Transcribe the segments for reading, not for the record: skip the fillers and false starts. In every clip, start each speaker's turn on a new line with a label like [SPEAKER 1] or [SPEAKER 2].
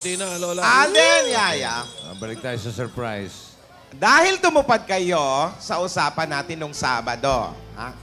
[SPEAKER 1] Hindi na, Lola.
[SPEAKER 2] Alden, Yaya.
[SPEAKER 3] Balik tayo sa surprise.
[SPEAKER 2] Dahil tumupad kayo sa usapan natin nung Sabado, ha?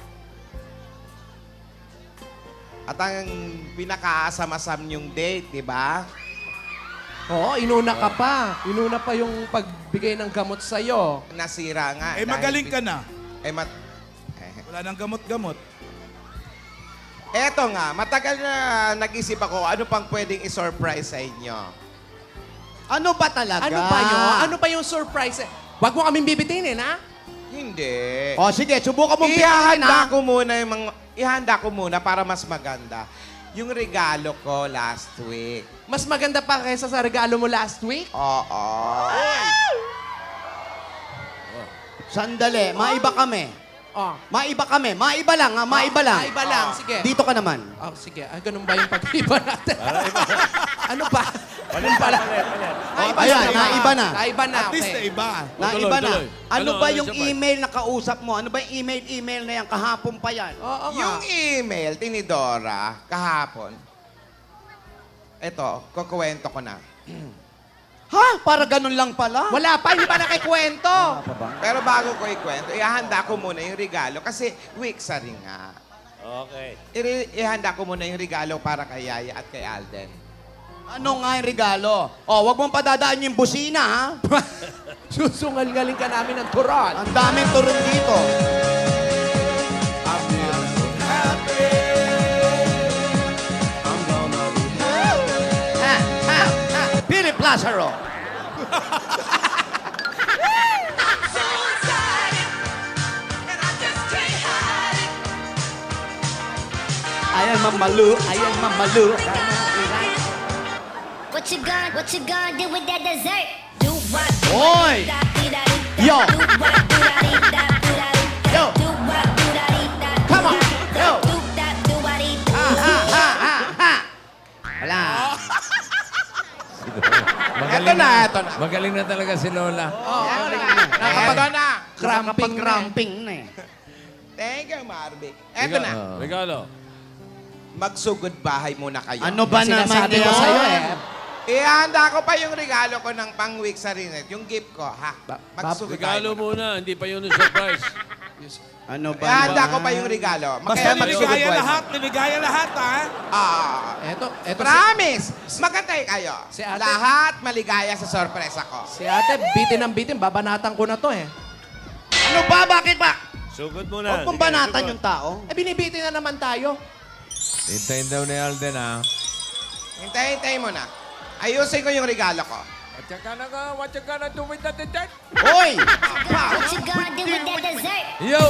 [SPEAKER 2] At ang pinakaasam-asam yung date, di ba?
[SPEAKER 4] Oo, inuna ka pa. Inuna pa yung pagbigay ng gamot sa'yo.
[SPEAKER 2] Nasira nga.
[SPEAKER 5] Eh, magaling ka na. Wala nang gamot-gamot.
[SPEAKER 2] Eto nga, matagal na nag-isip ako ano pang pwedeng i-surprise sa inyo.
[SPEAKER 6] Ano ba talaga?
[SPEAKER 4] Ano pa yun? Ano pa yung surprise? Huwag mo kaming bibitinin, ha?
[SPEAKER 2] Hindi.
[SPEAKER 6] O sige, subukan mong piliin
[SPEAKER 2] Ihanda ko muna yung mga... Ihanda ko muna para mas maganda. Yung regalo ko last week.
[SPEAKER 4] Mas maganda pa kaysa sa regalo mo last week?
[SPEAKER 2] Oo.
[SPEAKER 6] Sandali, maiba kami.
[SPEAKER 4] Oh.
[SPEAKER 6] Maiba kami. Maiba lang, ha? Maiba lang.
[SPEAKER 4] Iba lang, sige.
[SPEAKER 6] Dito ka naman.
[SPEAKER 4] Oh, sige. Ay, ganun ba yung pag-iba natin? ano ba? Ano pala?
[SPEAKER 6] Ayan, naiba na.
[SPEAKER 4] Naiba na,
[SPEAKER 5] At least na
[SPEAKER 4] okay.
[SPEAKER 5] iba.
[SPEAKER 6] Naiba na.
[SPEAKER 1] tuloy.
[SPEAKER 6] Ano ba
[SPEAKER 1] Ano
[SPEAKER 6] yung
[SPEAKER 1] siya pa?
[SPEAKER 6] email na kausap mo? Ano ba yung email na yan? Kahapon pa yan.
[SPEAKER 4] Oo nga.
[SPEAKER 2] Yung email, tinidora, kahapon. Ito, kukuwento ko na.
[SPEAKER 6] Ha? Para ganun lang pala?
[SPEAKER 4] Wala pa, hindi pa nakikwento.
[SPEAKER 2] Pero bago ko ikwento, ihanda ko muna yung regalo kasi week sa rin nga.
[SPEAKER 1] Okay.
[SPEAKER 2] Ihanda ko muna yung regalo para kay Yaya at kay Alden.
[SPEAKER 6] Ano nga yung regalo? O, wag mong padadaan yung busina, ha?
[SPEAKER 4] Susungal-galing ka namin ng turon.
[SPEAKER 6] Ang daming turun dito. Ha, ha, ha. Philip Lazaro. Ayan, mamalu. Ayan, mamalu.
[SPEAKER 7] What you gonna do with that dessert? Do what?
[SPEAKER 6] Oy! Yo! Yo! Come on! Yo! Ha, ha, ha, ha, ha! Wala.
[SPEAKER 2] Ito na, ito na.
[SPEAKER 3] Magaling na talaga si Lola.
[SPEAKER 2] Ito na.
[SPEAKER 6] Cramping na eh.
[SPEAKER 2] Thank you, Marvic. Ito na.
[SPEAKER 1] Regalo.
[SPEAKER 2] Magsugod bahay muna kayo.
[SPEAKER 6] Ano ba naman
[SPEAKER 4] Sinasabi ko
[SPEAKER 6] yun?
[SPEAKER 4] sa'yo eh.
[SPEAKER 2] Ihanda ko pa yung regalo ko ng pang-week sa Rinet. Yung gift ko, ha? Magsugod
[SPEAKER 1] Regalo
[SPEAKER 2] tayo.
[SPEAKER 1] muna, hindi pa yun yung surprise.
[SPEAKER 6] Ano ba
[SPEAKER 2] Ihanda
[SPEAKER 6] naman?
[SPEAKER 2] ko pa yung regalo.
[SPEAKER 5] Basta
[SPEAKER 2] Kaya magsugod
[SPEAKER 5] niligaya
[SPEAKER 2] tayo.
[SPEAKER 5] lahat, niligaya lahat, ha?
[SPEAKER 4] Eto si,
[SPEAKER 2] Promise! Magantay kayo.
[SPEAKER 4] Si ate-
[SPEAKER 2] Lahat maligaya sa sorpresa ko.
[SPEAKER 4] si ate, bitin ng bitin. Babanatan ko na to eh.
[SPEAKER 6] Ano ba? Bakit ba?
[SPEAKER 1] Sugod muna.
[SPEAKER 6] Huwag mong banatan yung tao.
[SPEAKER 4] Eh, binibitin na naman tayo.
[SPEAKER 3] Hintayin daw ni Alden, ha?
[SPEAKER 2] Hintay mo na. Ayusin ko yung regalo ko.
[SPEAKER 3] What you gonna do with that dessert?
[SPEAKER 6] Hoy!
[SPEAKER 7] What you gonna do with that dessert?
[SPEAKER 3] Yo!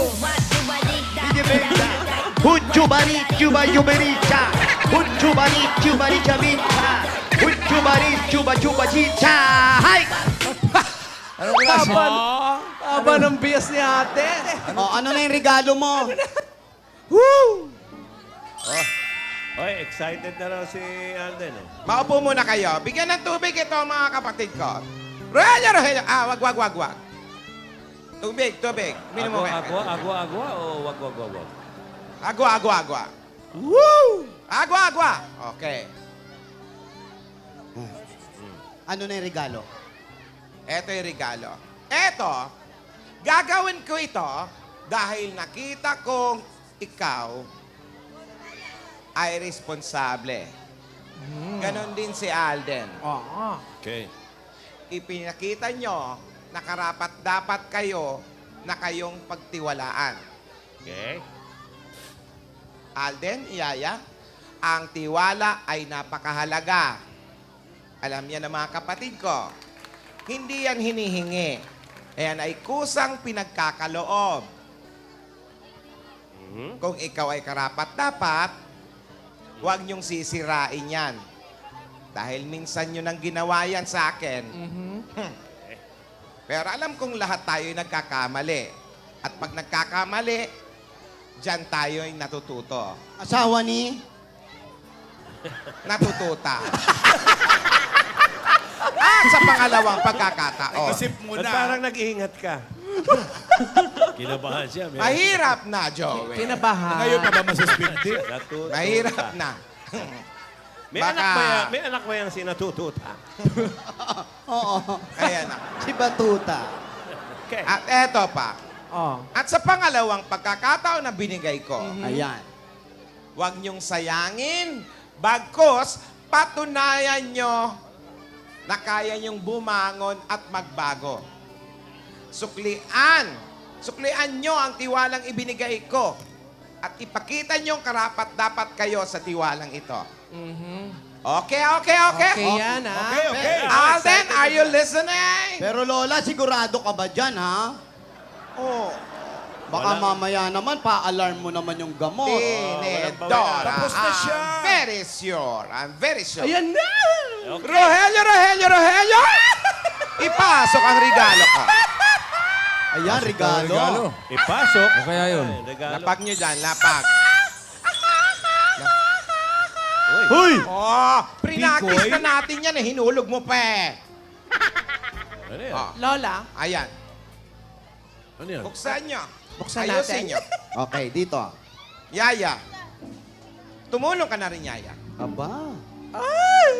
[SPEAKER 6] Hujubari, juba, jubericha. Hujubari, jubari, jabincha. Hujubari, juba, juba, chicha. Hay!
[SPEAKER 3] Anong klase?
[SPEAKER 4] Aba ng bias ni ate.
[SPEAKER 6] O, ano na yung regalo mo?
[SPEAKER 1] Oy, excited na raw si Alden eh.
[SPEAKER 2] Maupo muna kayo. Bigyan ng tubig ito mga kapatid ko. Rogelio. Wag. Tubig. Minimum.
[SPEAKER 1] Agwa o wag?
[SPEAKER 2] Agwa. Woo! Agwa. Okay.
[SPEAKER 6] Ano na yung regalo?
[SPEAKER 2] Ito yung regalo. Ito, gagawin ko ito dahil nakita kong ikaw ay responsable. Ganon din si Alden.
[SPEAKER 4] Oo.
[SPEAKER 1] Okay.
[SPEAKER 2] Ipinakita nyo na karapat-dapat kayo na kayong pagtiwalaan.
[SPEAKER 1] Okay.
[SPEAKER 2] Alden, Yaya, ang tiwala ay napakahalaga. Alam niya ng mga kapatid ko, hindi yan hinihingi. Ayan ay kusang pinagkakaloob. Kung ikaw ay karapat-dapat, huwag niyong sisirain yan. Dahil minsan nyo nang ginawa yan sa akin. Pero alam kong lahat tayo ay nagkakamali. At pag nagkakamali, dyan tayo ay natututo.
[SPEAKER 6] Asawa ni?
[SPEAKER 2] Natututa. At sa pangalawang pagkakataon,
[SPEAKER 5] Isip mo
[SPEAKER 1] Ba't
[SPEAKER 5] na.
[SPEAKER 1] parang nag-iingat ka? Kinabahan siya.
[SPEAKER 2] mahirap na, Joey.
[SPEAKER 4] Kinabahan.
[SPEAKER 5] Ngayon pa ba masuspindi?
[SPEAKER 1] Natututa.
[SPEAKER 2] Mahirap na.
[SPEAKER 1] May
[SPEAKER 2] Baka-
[SPEAKER 1] anak ba yan? May anak ba yan si Natututa?
[SPEAKER 6] Oo.
[SPEAKER 2] Ayan na.
[SPEAKER 6] Si Batuta.
[SPEAKER 1] Okay.
[SPEAKER 2] At eto pa.
[SPEAKER 4] Oh.
[SPEAKER 2] At sa pangalawang pagkakataon na binigay ko,
[SPEAKER 6] Ayan.
[SPEAKER 2] huwag niyong sayangin, bagkus patunayan niyo na kaya niyong bumangon at magbago. Suklian niyo ang tiwalang ibinigay ko at ipakita niyong karapat-dapat kayo sa tiwalang ito. Okay.
[SPEAKER 4] Okay yan, ha?
[SPEAKER 1] Okay.
[SPEAKER 2] Alden, are you listening?
[SPEAKER 6] Pero Lola, sigurado ka ba dyan, ha?
[SPEAKER 2] Oh,
[SPEAKER 6] Baka
[SPEAKER 1] Wala.
[SPEAKER 6] mamaya naman, pa-alarm mo naman yung gamot.
[SPEAKER 2] Tinedora.
[SPEAKER 5] Tapos na siya.
[SPEAKER 2] I'm very sure.
[SPEAKER 4] Ayan na!
[SPEAKER 2] Rogelio! Ipasok ang regalo ko.
[SPEAKER 6] Ayan, regalo.
[SPEAKER 1] Ipasok.
[SPEAKER 3] Ano kaya yun?
[SPEAKER 1] Ay, regalo.
[SPEAKER 2] Lapag nyo dyan, lapag.
[SPEAKER 1] Uy.
[SPEAKER 6] Huy!
[SPEAKER 2] Oh, prinaktis
[SPEAKER 1] Bikoy?
[SPEAKER 2] na natin yan eh. Hinulog mo pa eh.
[SPEAKER 1] Ano yan?
[SPEAKER 2] Oh,
[SPEAKER 4] Lola,
[SPEAKER 2] ayan.
[SPEAKER 1] Ano yan?
[SPEAKER 2] Buksan nyo.
[SPEAKER 4] Buksan
[SPEAKER 2] Ayusin
[SPEAKER 4] natin.
[SPEAKER 2] nyo.
[SPEAKER 6] Okay, dito.
[SPEAKER 2] Yaya. Tumulong ka na rin, Yaya.
[SPEAKER 6] Aba.
[SPEAKER 1] Ah.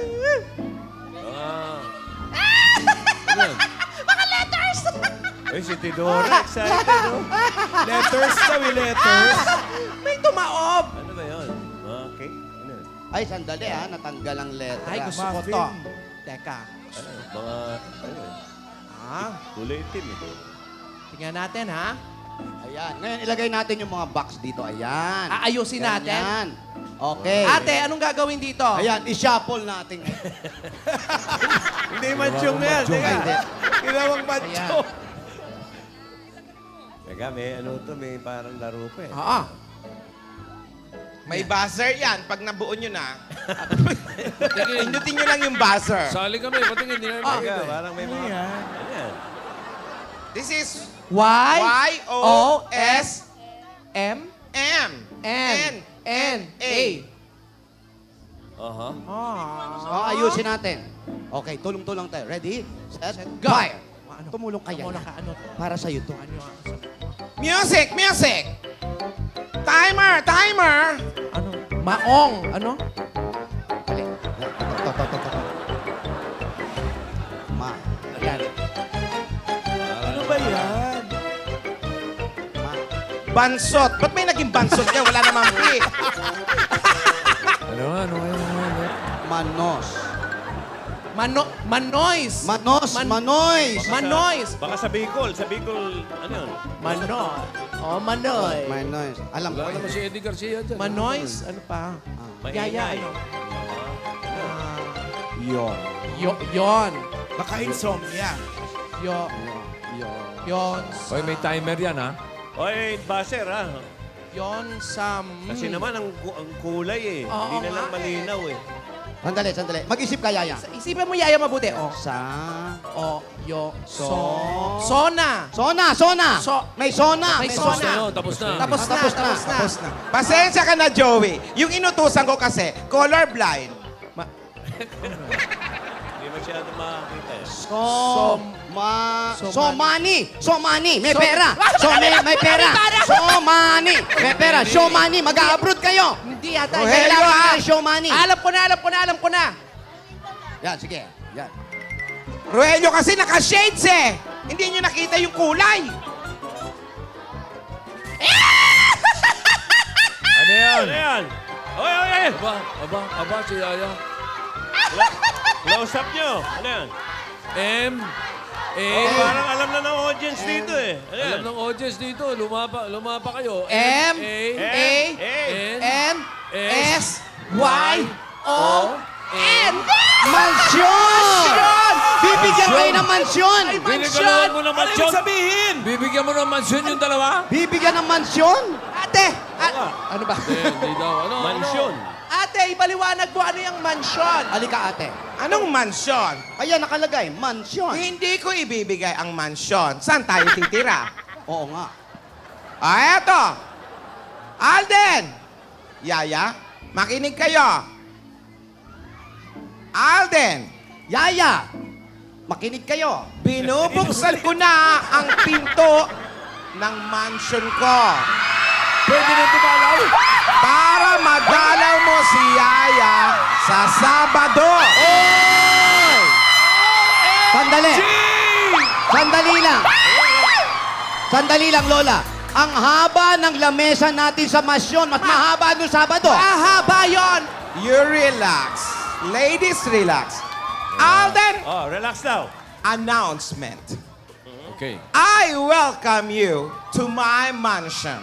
[SPEAKER 1] Ano yan? Ay, si Tidora. Excited, no?
[SPEAKER 5] Letters daw, letters.
[SPEAKER 4] may tumaob!
[SPEAKER 1] Ano ba yun? Okay. Ano yun?
[SPEAKER 6] Ay, sandali ha. Natanggal ang letra.
[SPEAKER 4] Ay, gusto ko
[SPEAKER 5] Muffin.
[SPEAKER 4] to. Teka.
[SPEAKER 1] Ano? Mga, ano yun?
[SPEAKER 4] Ah,
[SPEAKER 1] Kulay itim eh.
[SPEAKER 4] tingnan natin, ha?
[SPEAKER 6] Ayan. Ngayon, ilagay natin yung mga box dito. Ayan.
[SPEAKER 4] Aayusin natin?
[SPEAKER 6] Ganyan. Okay.
[SPEAKER 4] Ate, anong gagawin dito?
[SPEAKER 6] Ayan, i-shuffle natin.
[SPEAKER 5] Hindi manchong na yan.
[SPEAKER 6] Ay, hindi.
[SPEAKER 5] Ginawang manchong.
[SPEAKER 1] Teka, may ano to, may parang laro pa eh.
[SPEAKER 4] Oo.
[SPEAKER 2] May buzzer yan. Pag nabuo nyo na, pindutin nyo lang yung buzzer.
[SPEAKER 3] Sali kami, patingin. Hindi na
[SPEAKER 1] Teka, parang may mga... Ano yan?
[SPEAKER 2] This is
[SPEAKER 4] Y-O-S
[SPEAKER 2] M
[SPEAKER 4] N-N-A.
[SPEAKER 1] Aha.
[SPEAKER 6] Oh, ayusin natin. Okay, tulong-tulong tayo. Ready? Set,
[SPEAKER 4] Go.
[SPEAKER 6] fire.
[SPEAKER 4] Ano?
[SPEAKER 6] Tumulong kaya
[SPEAKER 4] Tumulong
[SPEAKER 6] na.
[SPEAKER 4] ka, ano?
[SPEAKER 6] Para sa'yo to.
[SPEAKER 4] Ano yung...
[SPEAKER 2] Music! Timer!
[SPEAKER 4] Ano? Maong! Ano?
[SPEAKER 6] Dali. To. Ma.
[SPEAKER 4] Ayan.
[SPEAKER 5] Ano ba yan?
[SPEAKER 6] Ma.
[SPEAKER 2] Bansot. Ba't may naging bansot yan? Wala namang P.
[SPEAKER 3] Ano?
[SPEAKER 6] Manos.
[SPEAKER 4] Manois!
[SPEAKER 6] Manoys.
[SPEAKER 4] Manois!
[SPEAKER 1] Baka sa Bicol. Sa Bicol, ano yun?
[SPEAKER 4] Mano. Oh, Manoy.
[SPEAKER 6] Manoys. Alam ko.
[SPEAKER 3] Wala naman si Eddie Garcia dyan.
[SPEAKER 4] Manois, ano pa? Yaya,
[SPEAKER 1] Maingay.
[SPEAKER 4] ano?
[SPEAKER 6] Yon.
[SPEAKER 4] Yon.
[SPEAKER 5] Baka insomnia.
[SPEAKER 4] Yon.
[SPEAKER 3] Hoy, may timer yan, ha?
[SPEAKER 1] Oy, baser ha.
[SPEAKER 4] Yon Sam.
[SPEAKER 1] Kasi naman ang kulay eh.
[SPEAKER 4] Oo
[SPEAKER 1] Hindi na lang
[SPEAKER 4] nga eh.
[SPEAKER 1] malinaw eh.
[SPEAKER 6] Sandali. Mag-isip ka, Yaya.
[SPEAKER 4] Isipin mo, Yaya, mabuti. Oh.
[SPEAKER 6] Sa...
[SPEAKER 4] Sona.
[SPEAKER 6] Sona. May sona.
[SPEAKER 4] May
[SPEAKER 3] Tapos
[SPEAKER 4] sona.
[SPEAKER 3] na yun, tapos na.
[SPEAKER 4] Tapos na.
[SPEAKER 2] Pasensya ka na, Joey. Yung inutusan ko kasi, colorblind.
[SPEAKER 1] Hindi masyado makakita eh.
[SPEAKER 6] Somani. May pera. May pera. Somani. May pera. Showmani. Mag-a-abroad kayo.
[SPEAKER 4] Hindi yata.
[SPEAKER 2] Rogelio,
[SPEAKER 6] Kailangan
[SPEAKER 2] ah.
[SPEAKER 6] ng showmani.
[SPEAKER 4] Alam ko na.
[SPEAKER 6] Yan, sige. Yan.
[SPEAKER 2] Rogelio kasi naka-shades eh. Hindi nyo nakita yung kulay.
[SPEAKER 3] Ano yan?
[SPEAKER 1] Ano yan? Oy!
[SPEAKER 3] Aba, si Yaya.
[SPEAKER 1] Close up nyo. Ano yan? Parang alam na ng audience dito eh. Ano yan?
[SPEAKER 3] Alam ng audience dito, lumapa kayo.
[SPEAKER 4] M-A-N-S-Y-O-N.
[SPEAKER 6] Mansyon! Bibigyan kayo ng mansyon!
[SPEAKER 3] Bibigyan mo ng
[SPEAKER 5] Ano
[SPEAKER 3] mansyon.
[SPEAKER 5] yung sabihin?
[SPEAKER 3] Bibigyan mo ng mansyon yung dalawa?
[SPEAKER 6] Bibigyan ng mansyon?
[SPEAKER 4] Ate! Ano ba?
[SPEAKER 3] Hindi daw. Ano?
[SPEAKER 1] Mansyon.
[SPEAKER 4] Ate, ipaliwanag mo ano yung mansyon.
[SPEAKER 6] Halika, ate.
[SPEAKER 2] Anong mansyon?
[SPEAKER 6] Ayan, nakalagay. Mansyon.
[SPEAKER 2] Hindi ko ibibigay ang mansyon. Saan tayo titira?
[SPEAKER 6] Oo nga.
[SPEAKER 2] Eto. Alden! Yaya, makinig kayo. Alden!
[SPEAKER 6] Yaya! Makinig kayo.
[SPEAKER 2] Binubuksan ko na ang pinto ng mansion ko.
[SPEAKER 3] Pwede na tumalaw.
[SPEAKER 2] Para madalaw mo si Yaya sa Sabado.
[SPEAKER 6] Sandali. Sandali lang. Sandali lang, Lola. Ang haba ng lamesa natin sa Masyon. Mas mahaba nung Sabado.
[SPEAKER 2] Mahaba yon. You relax. Ladies, relax. Alden,
[SPEAKER 1] Oh, relax now.
[SPEAKER 2] announcement.
[SPEAKER 3] Okay.
[SPEAKER 2] I welcome you to my mansion.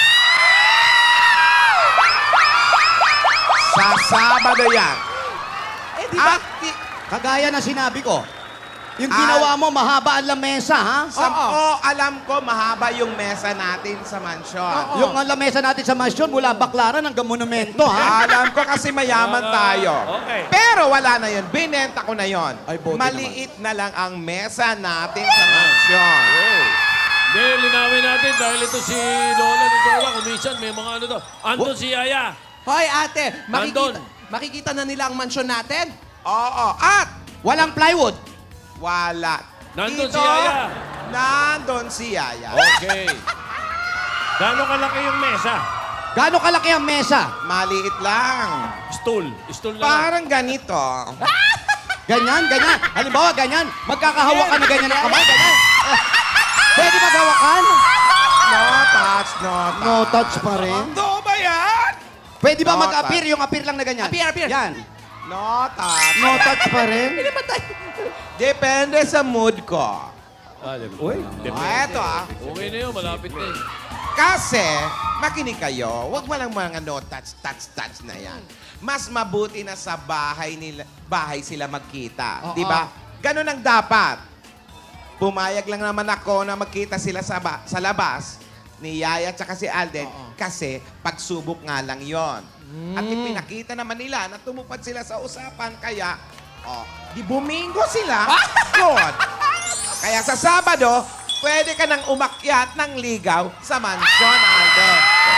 [SPEAKER 2] Sa Sabado yan. At
[SPEAKER 6] Kagaya na sinabi ko. Yung ginawa mo, mahaba ang lamesa, ha?
[SPEAKER 2] alam ko mahaba yung mesa natin sa mansion.
[SPEAKER 6] Yung lamesa natin sa Masyon, mula Baklaran hanggang Monumento, ha?
[SPEAKER 2] Alam ko kasi mayaman tayo.
[SPEAKER 1] Okay.
[SPEAKER 2] Pero wala na yun. Binenta ko na yun.
[SPEAKER 6] Ay, buti
[SPEAKER 2] Maliit na lang ang mesa natin sa mansion.
[SPEAKER 3] Hindi, linawin natin dahil ito si Lola ni Lola, kumisan, may mga ano to. Andun si Yaya.
[SPEAKER 4] Hoy, ate,
[SPEAKER 3] Nandun.
[SPEAKER 4] makikita na nila ang mansyon natin?
[SPEAKER 2] Oo. At
[SPEAKER 6] Walang plywood.
[SPEAKER 2] wala.
[SPEAKER 3] Nandun
[SPEAKER 2] Dito,
[SPEAKER 3] si Yaya.
[SPEAKER 2] Nandun si Yaya.
[SPEAKER 3] Okay.
[SPEAKER 1] Gano'ng kalaki yung mesa?
[SPEAKER 6] Gaano kalaki ang mesa?
[SPEAKER 2] Maliit lang.
[SPEAKER 3] Stool. Stool na lang.
[SPEAKER 2] Parang ganito.
[SPEAKER 6] Ganyan, ganyan. Halimbawa, ganyan. Magkakahawakan na ganyan ang kamay, ganyan. Pwede maghawakan?
[SPEAKER 2] No touch, no touch.
[SPEAKER 6] No touch pa rin.
[SPEAKER 5] Totoo ba yan?
[SPEAKER 6] Pwede ba
[SPEAKER 2] No
[SPEAKER 6] mag-appear? Yung appear lang na ganyan.
[SPEAKER 4] Appear.
[SPEAKER 6] Yan.
[SPEAKER 2] No touch.
[SPEAKER 6] No touch pa rin.
[SPEAKER 2] Depende sa mood ko.
[SPEAKER 1] Uy,
[SPEAKER 2] Eto
[SPEAKER 3] Okay na yun, malapit na yun.
[SPEAKER 2] Kasi, makinig kayo, wag mo lang mga no touch na yan. Mas mabuti na sa bahay sila magkita.
[SPEAKER 6] Oo.
[SPEAKER 2] Di ba? Ganun ang dapat. Pumayag lang naman ako na magkita sila sa labas ni Yaya at si Alden kasi pagsubok nga lang yon. At ipinakita naman nila na tumupad sila sa usapan kaya di bumingo sila. Good. Kaya sa Sabado, pwede ka nang umakyat ng ligaw sa mansyon, Alden.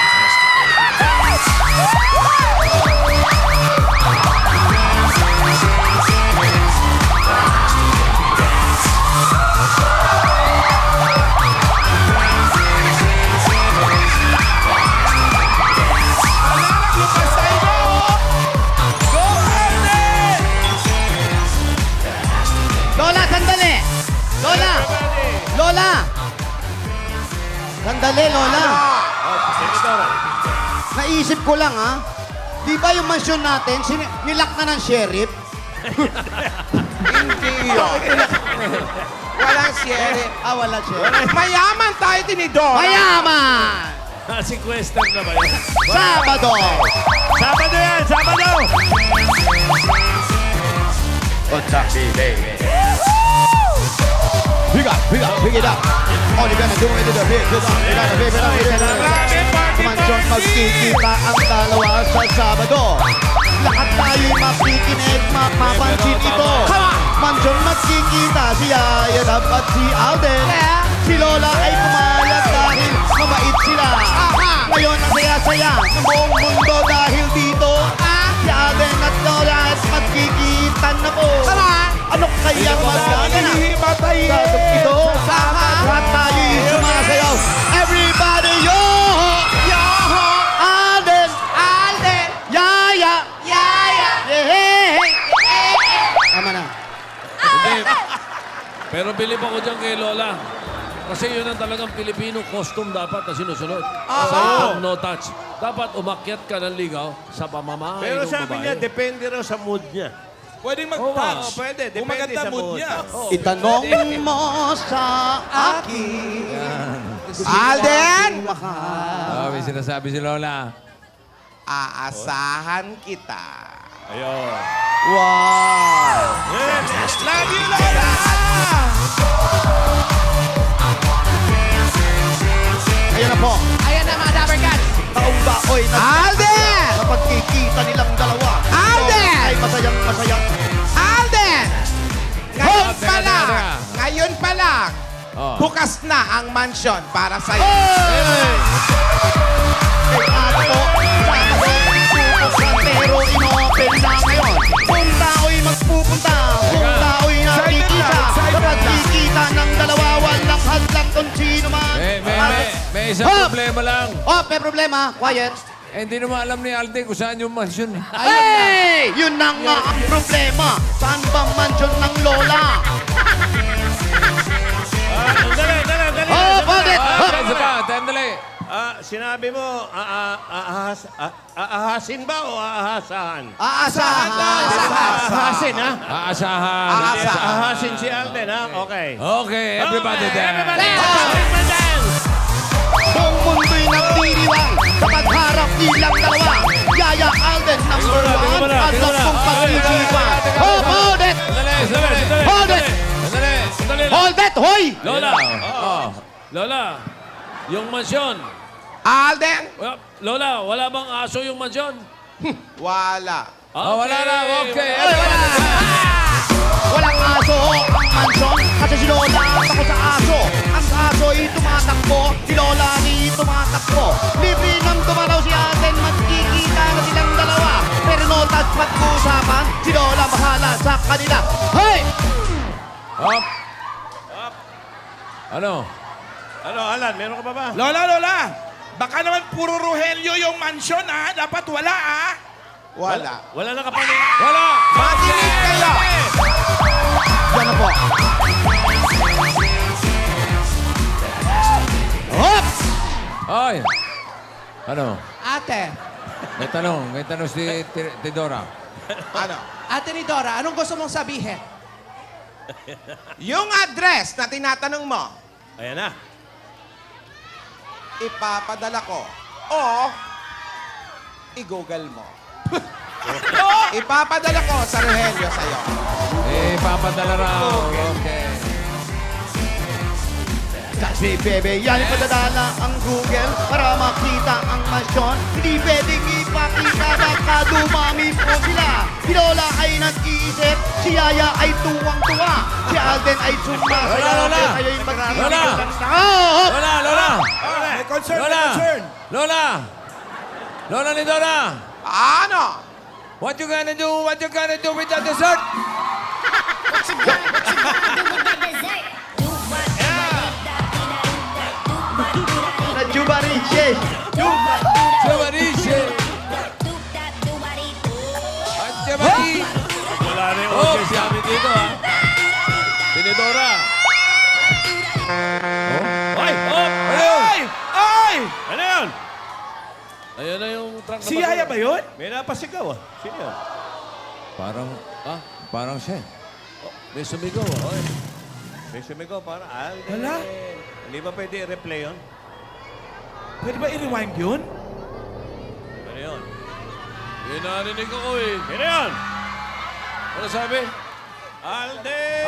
[SPEAKER 6] Lola, sandali! Lola! Lola! Sandali, Lola. Naisip ko lang, ha? Di ba yung mansyon natin, nilak na ng sheriff?
[SPEAKER 2] Hindi yun. Walang sheriff.
[SPEAKER 6] Wala sheriff.
[SPEAKER 2] Mayaman tayo, tinidor.
[SPEAKER 6] Mayaman!
[SPEAKER 3] Si Question na ba yun?
[SPEAKER 6] Sabado!
[SPEAKER 1] Sabado yan! Sabado!
[SPEAKER 6] Pick it up. All you gonna do is do the big, you gotta big it up. Mansyon magkikita ang dalawa sa Sabado. Lahat tayo'y makikinig, mapapansin ito. Mansyon magkikita si Yaya at si Alden. Si Lola ay pumayag dahil mabait sila. Ngayon ang saya-saya ng buong mundo dahil dito. Si Alden at Lola at magkikita na po. Ano kayang magaganap? Sabado ito. Lahat tayo'y sumasayaw. Everybody, yo! Yo! Alden! Alden! Yaya! Yaya! Yeah! Tama na.
[SPEAKER 3] Hindi. Pero bilib ako dyan kay Lola. Kasi yun ang talagang Pilipino costume dapat na sinusunod. Sa itong no touch. Dapat umakyat ka ng ligaw sa pamamahay
[SPEAKER 1] Pero
[SPEAKER 3] ng
[SPEAKER 1] sabi
[SPEAKER 3] babae.
[SPEAKER 1] niya, depende raw sa mood niya.
[SPEAKER 5] Pwedeng
[SPEAKER 3] Oo,
[SPEAKER 5] mag-touch.
[SPEAKER 1] pwede.
[SPEAKER 5] Kung
[SPEAKER 1] Depende
[SPEAKER 5] maganda
[SPEAKER 1] sa
[SPEAKER 5] mood
[SPEAKER 1] mood.
[SPEAKER 5] niya.
[SPEAKER 6] Itanong mo sa akin.
[SPEAKER 2] Alden!
[SPEAKER 3] May sinasabi si Lola.
[SPEAKER 2] Aasahan kita.
[SPEAKER 1] Ayun.
[SPEAKER 6] Wow!
[SPEAKER 5] Love you, Lola!
[SPEAKER 6] Ayan na po.
[SPEAKER 4] Ayan na mga Dabber Cats.
[SPEAKER 6] Taong baoy na
[SPEAKER 2] Alden!
[SPEAKER 6] sa pagkikita nilang dalawa.
[SPEAKER 2] Alden!
[SPEAKER 6] Ay masayang masaya.
[SPEAKER 2] Alden! Ngayon
[SPEAKER 3] Teka,
[SPEAKER 2] pa lang,
[SPEAKER 3] teka.
[SPEAKER 2] ngayon pa lang,
[SPEAKER 3] Oh.
[SPEAKER 2] bukas na ang mansyon para sa'yo.
[SPEAKER 6] Kay ato, Sabado, pero inopen na ngayon. Kung tao'y magpupunta, kung tao'y nakikita,
[SPEAKER 5] Excited
[SPEAKER 6] sa
[SPEAKER 5] na.
[SPEAKER 6] pagkikita ng dalawa, walang hadlang kung sino man.
[SPEAKER 3] May isang problema lang.
[SPEAKER 6] Oh, may problema. Quiet.
[SPEAKER 3] Eh, hindi naman alam ni Alden kung saan yung mansyon eh.
[SPEAKER 6] Hey! Yun na nga ang problema. Saan ba mansyon ng lola?
[SPEAKER 1] Dali.
[SPEAKER 6] Oh, bakit?
[SPEAKER 3] Isa pa, tandali.
[SPEAKER 1] Sinabi mo, aahasin ba o aahasahan?
[SPEAKER 6] Aasahan.
[SPEAKER 1] Aahasin, ha?
[SPEAKER 3] Aasahan.
[SPEAKER 1] Aahasin si Alden, ha? Okay.
[SPEAKER 3] Okay, everybody dance.
[SPEAKER 1] Everybody dance!
[SPEAKER 6] Buong mundo'y nagdiriwang sa pagharap nilang dalawa. Yaya Alden, number 1, at lampong pag-isipan. Oh, hold it! Hold it!
[SPEAKER 3] Sandali.
[SPEAKER 6] Hold it, hoy!
[SPEAKER 3] Lola. Lola, yung mansyon.
[SPEAKER 2] Alden?
[SPEAKER 3] Lola, wala bang aso yung mansyon?
[SPEAKER 2] Wala.
[SPEAKER 3] Wala na. Okay.
[SPEAKER 6] Walang aso ang mansyon kasi si Lola takot sa aso. Ang aso ay tumatakbo, si Lola ni tumatakbo. Libre nang dumaraw si Alden, magkikita na silang dalawa. Pero no touch pag-usapan, si Lola bahala sa kanila. Hoy!
[SPEAKER 3] Up. Ano?
[SPEAKER 1] Ano, Alan, meron ka pa ba?
[SPEAKER 5] Lola! Baka naman puro Rogelio yung mansion, ha? Dapat wala, ha?
[SPEAKER 2] Wala.
[SPEAKER 1] Wala na kapalit.
[SPEAKER 3] Wala.
[SPEAKER 2] Makinig kayo!
[SPEAKER 6] Yan na po. Hop!
[SPEAKER 3] Ay. Ano?
[SPEAKER 4] Ate,
[SPEAKER 3] May tanong si Tidora.
[SPEAKER 2] Ano?
[SPEAKER 4] ate ni Dora, anong gusto mong sabihin?
[SPEAKER 2] Yung address na tinatanong mo,
[SPEAKER 1] Ayan na.
[SPEAKER 2] ipapadala ko o i-google mo. Ipapadala ko sa Rogelio sa'yo.
[SPEAKER 3] Papadala raw. Okay.
[SPEAKER 6] Kasi bebe, yan ipadadala ang Google para makita ang mansyon. Hindi pwedeng ipakita, baka dumami po sila. Si Lola ay nag-iisip, si Yaya ay tuwang-tuwa. Si Alden ay sumasayaw.
[SPEAKER 3] Lola!
[SPEAKER 6] Kayo'y magkikita
[SPEAKER 3] Lola!
[SPEAKER 6] ng tao.
[SPEAKER 3] Lola!
[SPEAKER 5] May concern,
[SPEAKER 3] Lola! Lola ni Dora!
[SPEAKER 2] Ano?
[SPEAKER 3] What you gonna do with the dessert?
[SPEAKER 7] What you gonna do with that dessert? Do what you
[SPEAKER 6] Najuba Riches.
[SPEAKER 3] Chavariche! At Chavari!
[SPEAKER 1] Wala na yung
[SPEAKER 3] Oh,
[SPEAKER 1] audience namin dito, ha?
[SPEAKER 3] Tinidora!
[SPEAKER 1] Hoy!
[SPEAKER 5] Ay! Ay!
[SPEAKER 1] Ano yun?
[SPEAKER 3] Ayan na yung truck na
[SPEAKER 5] Si Yaya ba yun?
[SPEAKER 1] May napasigaw, ah. Sino yun?
[SPEAKER 3] Parang siya. May sumigaw, ah.
[SPEAKER 1] May sumigaw para Alden.
[SPEAKER 5] Wala.
[SPEAKER 1] Hindi ba pwede i-replay yun?
[SPEAKER 5] Pwede ba i-rewind yun?
[SPEAKER 1] Ano yun?
[SPEAKER 3] Yung narinig ako eh.
[SPEAKER 1] Sino yun?
[SPEAKER 3] Ano sabi?
[SPEAKER 1] Alden!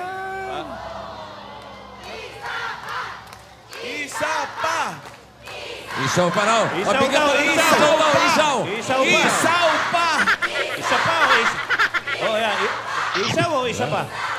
[SPEAKER 5] Isa pa!
[SPEAKER 3] Isaw pa raw.
[SPEAKER 1] Isaw
[SPEAKER 3] Mabigat
[SPEAKER 1] daw,
[SPEAKER 3] na
[SPEAKER 1] isaw
[SPEAKER 3] isaw daw,
[SPEAKER 1] pa.
[SPEAKER 3] isaw.
[SPEAKER 1] Isaw pa.
[SPEAKER 5] Isaw pa!
[SPEAKER 1] Isa pa o isa? Oh, yan. Isa o isa pa?